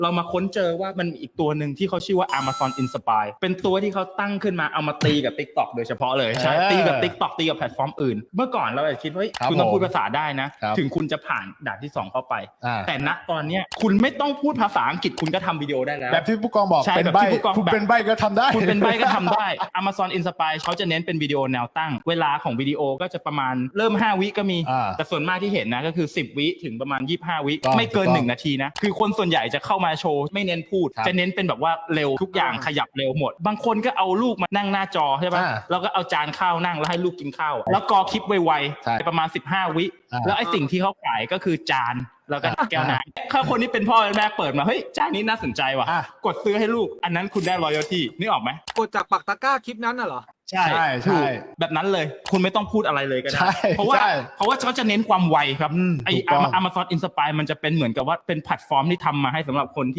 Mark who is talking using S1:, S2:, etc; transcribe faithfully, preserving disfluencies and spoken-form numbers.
S1: เรามาค้นเจอว่ามันมีอีกตัวหนึ่งที่เขาชื่อว่า Amazon Inspire เป็นตัวที่เขาตั้งขึ้นมาเอามาตีกับ TikTok โดยเฉพาะเลยใช่ตีกับ TikTok ตีกับแพลตฟอร์มอื่นเมื่อก่อนเราอาจจะคิดว่าคุณต้องพูดภาษาได้นะถึงคุณจะผ่านด่านที่สองเข้าไปแต่ณตอนนี้คุณไม่ต้องพูดภาษาอังกฤษคุณก็ทำวิดีโอได้แล้ว
S2: แบบที่ผู้กองบอกเป็นใบคุณเป็นใบก็ทำได้
S1: คุณเป็นใบก็ทำได้ Amazon Inspire เขาจะเน้นเป็นวิดีโอแนวตั้งเวลาของวิดีโอก็จะประมาณเริ่มห้าวิก็มีแต่ส่วนมากที่เห็นนะก็คือสิบวิถึงประมาณยี่สิบห้าวิไม่เกินหนึ่งนาทีนะคือคนส่วนใหญ่จะเข้ามาโชว์ไม่เน้นพูดจะเน้นเป็นแบบว่าเร็วทุกอย่างขยับเร็วหมดบางคนก็เอาลูกมานั่งหน้าจอใช่ป่ะแล้วก็เอาจานข้าวนั่งแล้วให้ลูกกินข้าวแล้วกอคลิปไวๆประมาณสิบห้าวิแล้วไอ้สิ่งที่เขาขายก็คือจานแล้วก็แก้วน้ำถ้าคนที่เป็นพ่อแม่เปิดมาเฮ้ยจานนี้น่าสนใจว่ะกดซื้อให้ลูกอันนั้นคุณได้ loyalty นึกออกไหม
S3: กดจากปักตะกร้าคลิปนั้นน่ะเหรอ
S1: ใช่ใช่แบบนั้นเลยคุณไม่ต้องพูดอะไรเลยก็ได้เพราะว่าเพราะว่าเขาจะเน้นความไวครับไอ้ Amazon Inspire มันจะเป็นเหมือนกับว่าเป็นแพลตฟอร์มที่ทำมาให้สำหรับคนที่